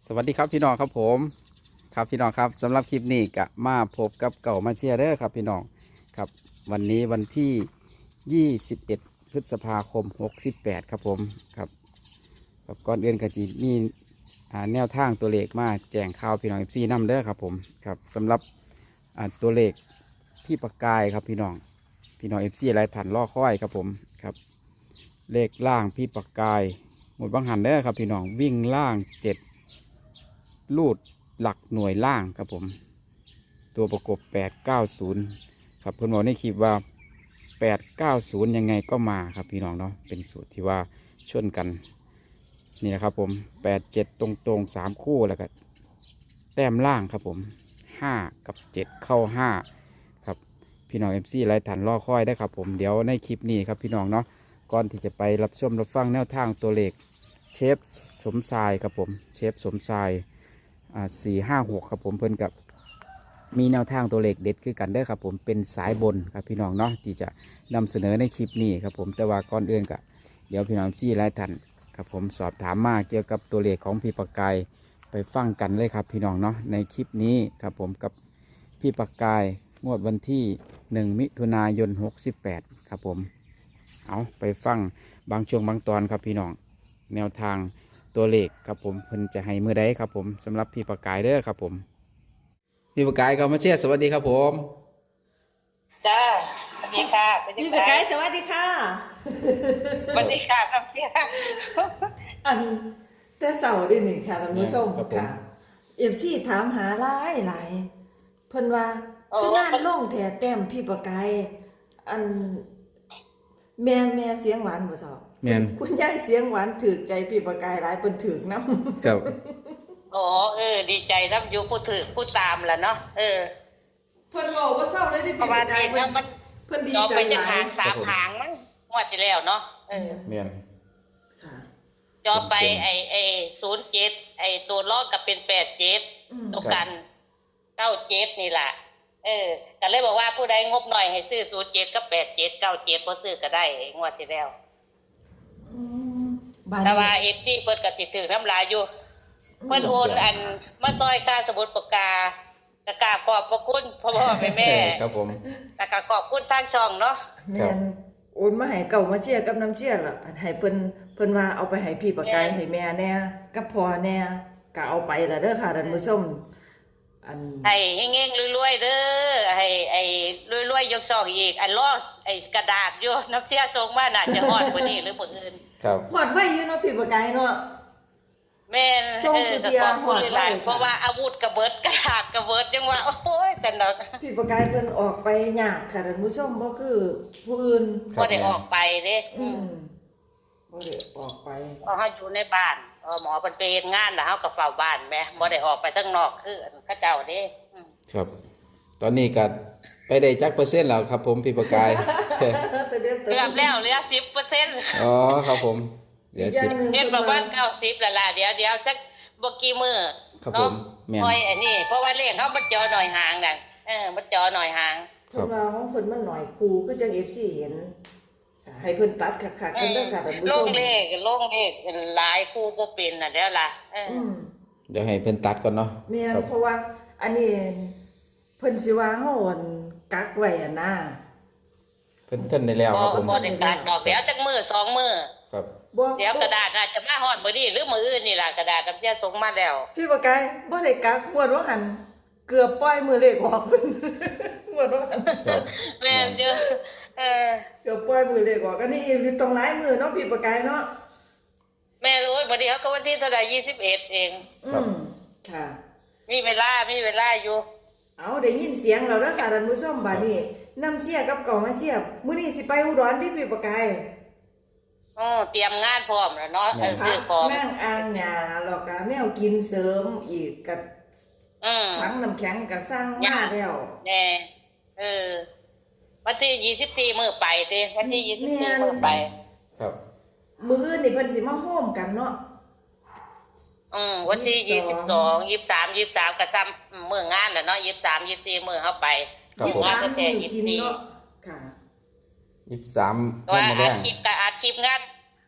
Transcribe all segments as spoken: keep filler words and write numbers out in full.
สวัสดีครับพี่น้องครับผมครับพี่น้องครับสำหรับคลิปนี้ก็มาพบกับเก่ามาเชียร์เด้อครับพี่น้องครับวันนี้วันที่ยี่สิบเอ็ดพฤษภาคมหกสิบแปดครับผมครับกับก่อนอื่นก็จีมีอ่าแนวทางตัวเลขมาแจ้งข่าวพี่น้องเอฟซีนำเด้อครับผมครับสำหรับอ่าตัวเลขพี่ประกายครับพี่น้องพี่น้องเอฟซีหลายท่านรอคอยครับผมครับเลขล่างพี่ประกายหมดบางหันเด้อครับพี่น้องวิ่งล่างเจ็ดลูดหลักหน่วยล่างครับผมตัวประกบแปดเก้าศูนย์ครับเพื่อนบอกในคลิปว่าแปดเก้าศูนย์ยังไงก็มาครับพี่น้องเนาะเป็นสูตรที่ว่าชนกันนี่นะครับผมแปดเจ็ดตรงตรงสามคู่แล้วก็แต้มล่างครับผมห้ากับเจ็ดเข้าห้าครับพี่น้องเอฟซีหลายท่านรอคอยได้ครับผมเดี๋ยวในคลิปนี้ครับพี่น้องเนาะก่อนที่จะไปรับชมรับฟังแนวทางตัวเลขเชฟสมชายครับผมเชฟสมชายอ่าสี่ห้าหกครับผมเพิ่นกับมีแนวทางตัวเลขเด็ดคือกันเด้อครับผมเป็นสายบนครับพี่น้องเนาะที่จะนำเสนอในคลิปนี้ครับผมแต่ว่าก่อนอื่นก็เดี๋ยวพี่น้องซี่หลายท่านครับผมสอบถามมาเกี่ยวกับตัวเลขของพี่ประกายไปฟังกันเลยครับพี่น้องเนาะในคลิปนี้ครับผมกับพี่ประกายงวดวันที่หนึ่งมิถุนายนหกสิบแปดครับผมเอาไปฟังบางช่วงบางตอนครับพี่น้องแนวทางตัวเลขครับผมเพิ่นจะให้เมื่อใดครับผมสำหรับพี่ประกายเด้อครับผมพี่ประกายก็มาเชียร์สวัสดีครับผมจ้าสวัสดีค่ะเป็นพี่ยังปากไงไก่สวัสดีค่ะสวัสดีค่ะครับเชียร์อันแต่เสาร์ดิหนึ่งค่ะท่านผู้ชมครับผมค่ะเอฟซีถามหาหลายหลายเพิ่นว่าคืองานล่งแถแต้มพี่ปากไก่อันแม่แม่เสียงหวานบ่ทอแม่นคุณยายเสียงหวานถือใจพี่ปากไก่หลายเพิ่นถือกนำเจ้าอ๋อเออ ดีใจรับอยู่ผู้ถือผู้ตามแหละเนาะเออเพิ่นบอกว่าเศร้าเลยที่เพพี่ราะว่าปากไก่ที่เพิ่นั่นนมันเพิ่นดีจอใจไปจะหลาหาย งสามหางมั้งงวดที่แล้วเนาะเออแม่นค่ะจอไปเต็มๆไอไอศูนย์เจ็ดไอตัวลอกกับเป็นแปดเจ็ดอืมตกกันเก้าเจ็ดนี่แหละเออก็เลยบอกว่าผู้ใดงบหน่อยให้ซื้อศูนย์เจ็ดกับแปดเจ็ดเก้าเจ็ดพอซื้อก็ได้งวดที่แล้วอืมบ้านแต่ว่านี้เอฟซีเปิดกับติดถือน้ำลายอยู่ เพิ่นโอนอันมาซอยค่าสมุดปากกากะกราบขอบพระคุณพ่อพ่อแม่แม่ครับผมตะกะขอบคุณทางช่องเนาะแม่นโอนมาให้เก่ามาเชียร์กับน้ำเชียร์ล่ะให้เพิ่นเพิ่นว่าเอาไปให้พี่ปากไก่ให้แม่แน่กับพ่อแน่ก็เอาไปล่ะเด้อค่ะท่านผู้ชมอันให้เฮงๆรวยๆเด้อให้ไอ้รวยๆยกช่องอีกอันล้อไอ้กระดาษอยู่น้ำเสียส่งมาน่าจะฮอดกว่านี้หรือบ่อื่นครับหอดไว้อยู่เนาะพี่ปากไก่เนาะแม่นส่งเอสุอเทีก็ยขอบคุณหลายฮอดไว้ๆเพราะว่าอาวุธกระเบิดกระดาษกระเบิดจังว่าโอ้ยแต่เนาะพี่ปากไก่เพิ่นออกไปยากค่ะท่านผู้ชมบ่คือผู้อื่นครับบ่ได้ออกไปเด้อืมบ่ได้ออกไปเพราะเฮาอยู่ในบ้านเออหมอเพิ่นไปเฮ็ดงานแล้วเฮาก็เฝ้าบ้านแหมบ่ได้ออกไปข้างนอกคือเขาเจ้าเด้อืมครับ ตอนนี้ก็ไปได้จักเปอร์เซ็นต์แล้วครับผมพี่ประกายแต่เดี๋ยวเกือบแล้วเหลือสิบเปอร์เซ็นต์อ๋อครับผมเดี๋ยวสิบเห็นบอกว่าเก้าสิบละล่ะเดี๋ยวเดี๋ยวสักบกี่มือครับผมแม่นคอยอันนี้เพราะว่าเลขเขามาจอหน่อยห่างนั่นเออมาจอหน่อยห่างเพิ่นว่าของเพิ่นมันหน่อยครูคือจัง เอฟ ซี เห็นให้เพิ่นตัดคักๆกันเด้อค่ะท่านผู้ลชงมเลขลงเลขหลายคู่บ่เป็นน่ะแล้วล่ะเอออืมเดี๋ยวให้เพิ่นตัดก่อนเนาะแม่นครับเพราะว่าอันนี้เพิ่นสิว่าเฮาอั่นกักไว้อะนะเพิ่นเพิ่นได้แล้วบ่ครับผมบ่ได้การดอกเดี๋ยวจักมือสองมือครับบ่เดี๋ยวกระดาษน่าจะมาฮอดมื้อนี้หรือมื้ออื่นนี่ล่ะกระดาษน้ำเสียส่งมาแล้วพี่ปากไก่บ่ได้กักงวดว่าหันเกือบปล่อยมือเลขออกเพิ่น งวดว่าหันครับแม่นเด้อเออเกือบปล่อยมือเลขออกอันนี้อีกตรงหลายมือเนาะพี่ปากไก่เนาะแม่รู้บ่ดีเขาก็วันที่เท่าใดยี่สิบเอ็ดเองอืมค่ะมีเวลามีเวลาอยู่เอาได้ยินเสียงเราแล้วค่ะท่านผู้ชมบัดนี้น้ำเสียกับเก่ามาเสียมื้อนี้สิไปอุดรที่พี่ปากไก่อ๋อเตรียมงานพร้อมแล้วเนาะเออพัซื้อก ของนั่งอ่างหญ้าแล้วก็แนวกินเสริมอีกก็อืมถังน้ำแข็งก็สร้างมาแล้วแน่เออวันที่ยี่สิบสี่มื้อไปเด้วันที่ยี่สิบสี่มื้อไปครับมื้ออื่นนี่เพิ่นสิมาโฮมกันเนาะอืมวันที่ยี่ยี่สิสิบบ สสออง งยี่สิบสามยี่สิบสามก็ซ้ำมื้องานแหละเนาะยี่สิบสามยี่สิบสี่มื้อเฮาไปครับยี่ผสิบมสามตั้งแต่มื้อยี่สิกิบนสี่เนาะค่ะยี่สิบสามว่าเพิ่นมาอาแรงชีพกับอาชีพงาน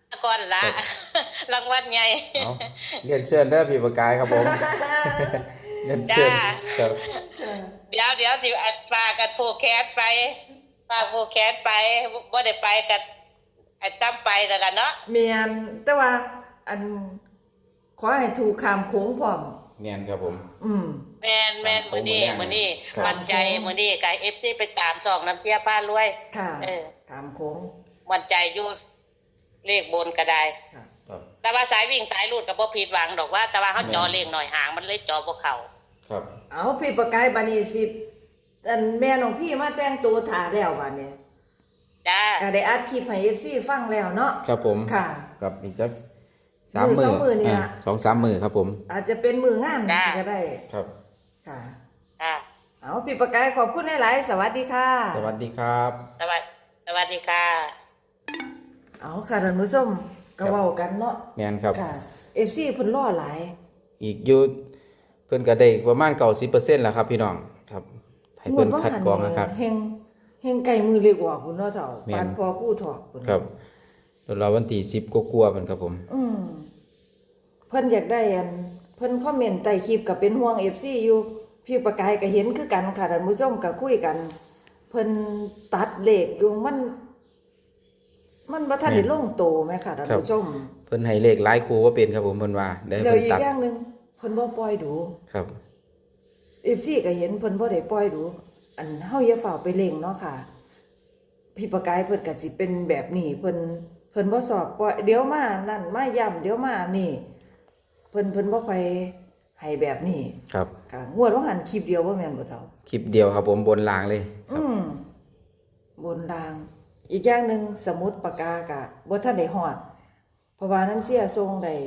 ก่อนละ รางวัลใหญ่เอาเรียนเชิญเด้อพี่ประกายครับผม เรียนเชิญจ้าครับเดี๋ยวเดี๋ยวสิอัดฝากกันผูกแคสไปฝากผูกแคสไปบ่ได้ไปกันอัดซ้ำไปแล้วกันเนาะเมียนแต่ว่าอันขอให้ถูกคำโค้งพร้อมเนียนครับผมอืมแม่นแม่นมื้อนี้มื้อนี้ครับมั่นใจมื้อนี้กับ เอฟ ซี ไปตามสองน้ำเชียป้ารวยค่ะเออคำโค้งมั่นใจอยู่เลขบนก็ได้ค่ะครับแต่ว่าสายวิ่งสายรูดก็บ่ผิดหวังดอกว่า แต่ว่าเฮาแม่นจอเลขหน่อยห่างมันเลยจอบ่เข้าครับเอาพี่ประกายบานีสิอันแม่น้องพี่มาแต่งตัวถ่าแล้วบานี้จ้าก็ได้อัดคลิปให้ เอฟ ซี ฟังแล้วเนาะครับผมค่ะกับอีกจักสามมืมืออสองมือนี่อ่าล่ะสองสามมือครับผมอาจจะเป็นมืองานก็ได้ครับค่ะค่ะเอาพี่ประกายขอบคุณหลายๆสวัสดีค่ะสวัสดีครับสวัสดีสวัสดีค่ะเอาค่ะท่านผู้ชมก็เว้ากันเนาะแมนครับค่ะ เอฟ ซี เพิ่นรอหลายอีกอยุเพิ่นก็ได้ประมาณเก้าสิบเปอร์เซ็นต์แล้วครับพี่น้องครับให้เพิ่นคัดกรองนะครับเฮงเฮงไก่มือเล็กกว่าพุ่นเนาะเจ้าแม่นปานพอผู้ถอกพุ่นครับเดี๋ยวเราวันที่สิบกลัวาๆเพิ่นครับผมอืมเพิ่นอยากได้อันเพิ่นคอมเมนต์ใต้คลิปก็เป็นห่วง เอฟ ซี อยู่พี่ประกายก็เห็นคือกันค่ะท่านผู้ชมก็คุยกัน เพิ่นตัดเลขอยู่มัน มันบ่ทันได้ลงโตแม่ค่ะท่านผู้ชมเพิ่นให้เลขหลายครูว่าเป็นครับผมเพิ่นว่าได้แล้วเพิ่นอีกตัดอย่างหนึงเพิ่นบ่ปล่อยดูครับเอฟซีก็เห็นเพิ่นบ่ได้ปล่อยดู อันเฮาอย่าฝ่าไปเล่งเนาะค่ะ พี่ประกายเพิ่นก็สิเป็นแบบนี้เพิ่นเพิ่นบ่สอบปล่อยเดี๋ยวมานั่นมาย่ำเดี๋ยวมานี่ เพิ่นเพิ่นบ่ค่อยให้แบบนี้ครับค่ะงวดว่าหันคลิปเดียวบ่แม่นบ่เท่าคลิปเดียวครับผมบนรางเลยครับอืมบนราง อีกอย่างหนึงสมุดปากกาก็บ่ทันได้ฮอด เพราะว่าน้ำเสียส่งได้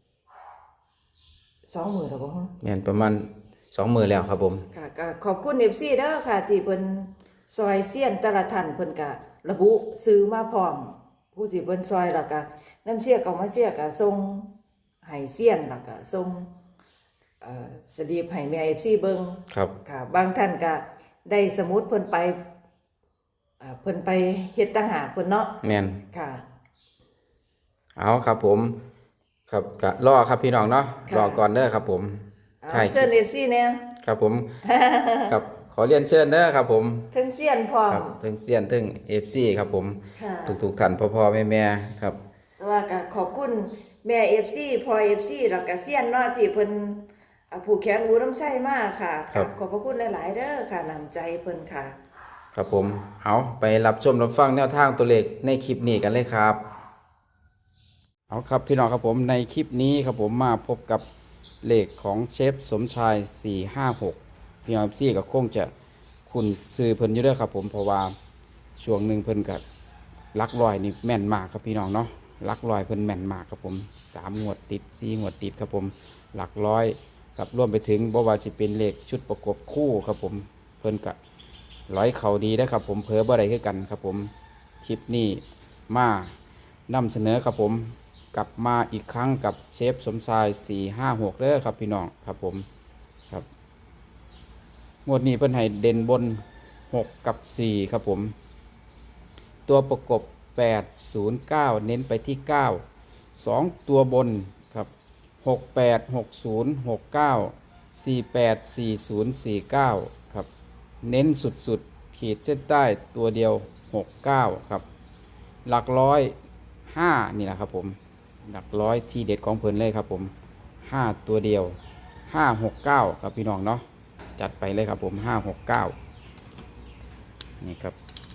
สองมื้อแล้วบ่ฮะแม่นประมาณสองมือแล้วครับผมค่ะก็ขอบคุณ เอฟ ซี เด้อค่ะ ที่เพิ่นซอยเซียนแต่ละท่านเพิ่นก็ระบุซื้อมาพร้อม ผู้ที่เพิ่นซอยแล้วก็น้ำเชี่ยก็มาเชี่ยก็ส่งให้เซียนแล้วก็ส่งเอ่อสลีปให้แม่ เอฟ ซี เบิ่งครับค่ะ บางท่านก็ได้สมุดเพิ่นไปอ่าเพิ่นไปเฮ็ดต่างหากเพิ่นเนาะแม่นค่ะเอาครับผม ครับก็รอครับพี่น้องเนาะค่ะรอก่อนเด้อครับผมเอาใช่เชิญ เอฟ ซี เนี่ยครับผม ครับขอเรียนเชิญเด้อครับผมทั้งเซียนพร้อมครับถึงเซียนถึง เอฟ ซี ครับผมค่ะทุกๆท่านพ่อๆแม่ๆครับแต่ว่าก็ขอบคุณแม่ เอฟ ซี พอ เอฟ ซี แล้วก็เซียนเนาะที่เพิ่นอ่าผูกแขนอูน้ำใช้มากค่ะครับขอบพระคุณหลายๆเด้อค่ะน้ำใจเพิ่นค่ะครับผม เอาไปรับชมรับฟังแนวทางตัวเลขในคลิปนี้กันเลยครับ เอาครับพี่น้องครับผมในคลิปนี้ครับผมมาพบกับเลขของเชฟสมชายสี่ห้าหกพี่น้องซี่ก็คงจะคุณซื้อเพิ่นอยู่เด้อครับผมเพราะว่าช่วงหนึ่งเพิ่นกับลักลอยนี่แม่นมากครับพี่น้องเนาะลักลอยเพิ่นแม่นมากครับผมสามงวดติดสี่งวดติดครับผมหลักร้อยครับรวมไปถึงบ่ว่าสิเป็นเลขชุดประกบคู่ครับผมเพิ่นกับร้อยเขาดีได้อครับผมเผลอบ่ได้คือกันครับผมคลิปนี้มานำเสนอครับผมกลับมาอีกครั้งกับเชฟสมชายสี่ห้าหกเด้อครับพี่น้องครับผมครับงวดนี้เพิ่นให้เด่นบนหกกับสี่ครับผมตัวประกบแปด ศูนย์ เก้าเน้นไปที่เก้า สองตัวบนครับหกแปด หกศูนย์ หกเก้า สี่แปด สี่ศูนย์ สี่เก้าครับเน้นสุดๆขีดเส้นใต้ตัวเดียวหกเก้าครับหลักร้อยห้านี่แหละครับผมหลักร้อยที่เด็ดของเพิ่นเลยครับผมห้าตัวเดียวห้าหกเก้าครับพี่น้องเนาะจัดไปเลยครับผมห้าหกเก้านี่ครับ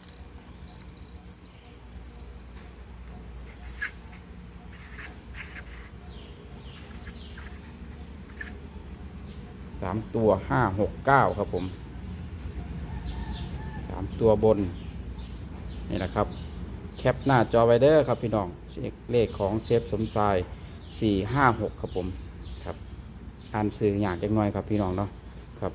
สามตัวห้าหกเก้าครับผมสามตัวบนนี่แหละครับแคปหน้าจอไว้เด้อครับพี่น้องเลขของเชฟสมชายสี่ห้าหกครับผมครับอ่านสื่ออย่างจังหน่อยครับพี่น้องเนาะครับ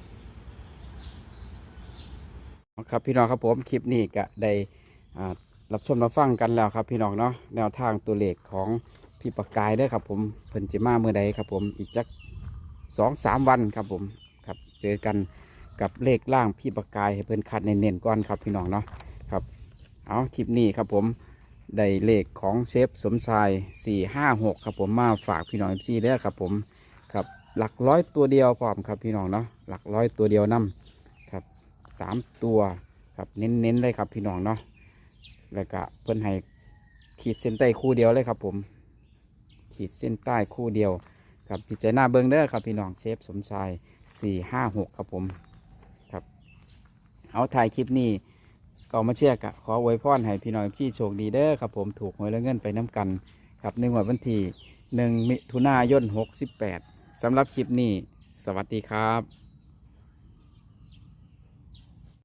ครับพี่น้องครับผมคลิปนี้ก็ได้อ่ารับชมรับฟังกันแล้วครับพี่น้องเนาะแนวทางตัวเลขของพี่ประกายเด้อครับผมเพิ่นจิมาเมื่อใดครับผมอีกจักสองสามวันครับผมครับเจอกันกับเลขล่างพี่ประกายให้เพิ่นคัดเน้นๆก่อนครับพี่น้องเนาะครับเอาคลิปนี้ครับผมได้เลขของเชฟสมชายสี่ห้าหกครับผมมาฝากพี่น้องเอฟซีเด้อครับผมครับหลักร้อยตัวเดียวพร้อมครับพี่น้องเนาะหลักร้อยตัวเดียวนํครับสามตัวครับเน้นๆเลยครับพี่น้องเนาะแล้วก็เพิ่นให้ขีดเส้นใต้คู่เดียวเลยครับผมขีดเส้นใต้คู่เดียวครับพิจารณาเบิ้งเด้อครับพี่น้องเชฟสมชายสี่ห้าหกครับผมครับเอาถ่ายคลิปนี้ก็มาเชียร์กะขออวยพรให้พี่น้องที่โชคดีเด้อครับผมถูกหวยและเงินไปน้ำกันครับในวันที่หนึ่งมิถุนายนหกสิบแปดสำหรับคลิปนี้สวัสดีครับ